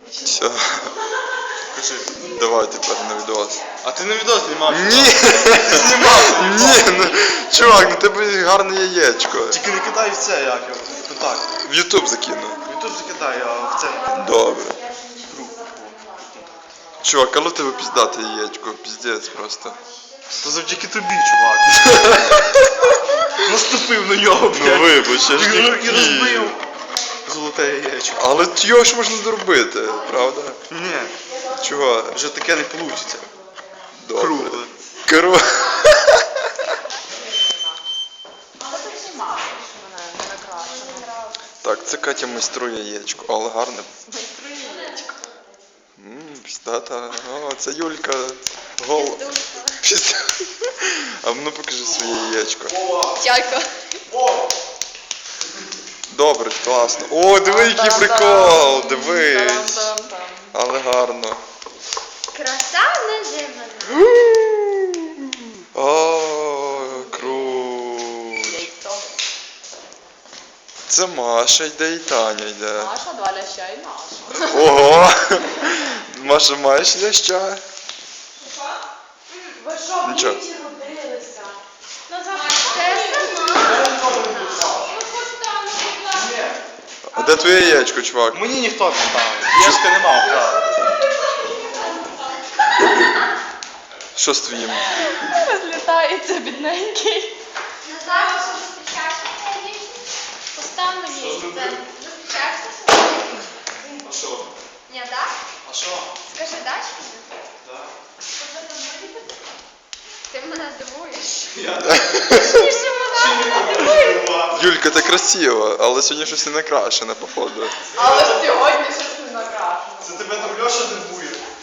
Все. Кажи. Давай тепер на відос. А ти на відео знімав? Ні! Ні, ну, чувак, ну тебе гарне яєчко. Тільки не кидай в це, як його. Ну так. В Ютуб закину. В Ютуб закидай, а в це не кидай. Добре. Чувак, але в тебе піздате яєчко, піздець просто. То завдяки тобі, чувак. Наступив на нього, блядь. Ну вибач, я ж не І хотів. розбив. Золоте яєчко. Але його ж можна зробити, правда? Ні, Чого? вже таке не вийде. Добре. Кругле. Кругле. Але ти знімав, що мене не накрашено. Так, це Катя майструє яєчко, але гарне. Майструє яєчко. Піздата. О, це Юлька. Гол. А ну покажи своє яєчко. Дядько. Добре, класно. О, диви, який прикол! Дивись. Там-там-там. Але гарно. Краса неземна. О, круть. Яйцо. Це Маша йде і Таня йде. Наша, два ляща і наша. Ого! Маша, маєш ляща? Ви що, Нічого. вдвічі родилися? Це сама. А де твоє яєчко, чувак? Мені ніхто не ставив. Яшка не мав права. Що з твоїм? Розлітається бідненький. Назар, що зустрічаєшся з цією дівчиною? Постав мені це. Зустрічаєшся з цією? А що? Ні, так? А що? Скажи, дач? Так. Ти мене дивуєш. Я Ти ще мене дивуєш. Юлька, ти красива, але сьогодні щось не накрашене, походу. Але сьогодні щось не накрашено. Це тебе там Льоша дивує.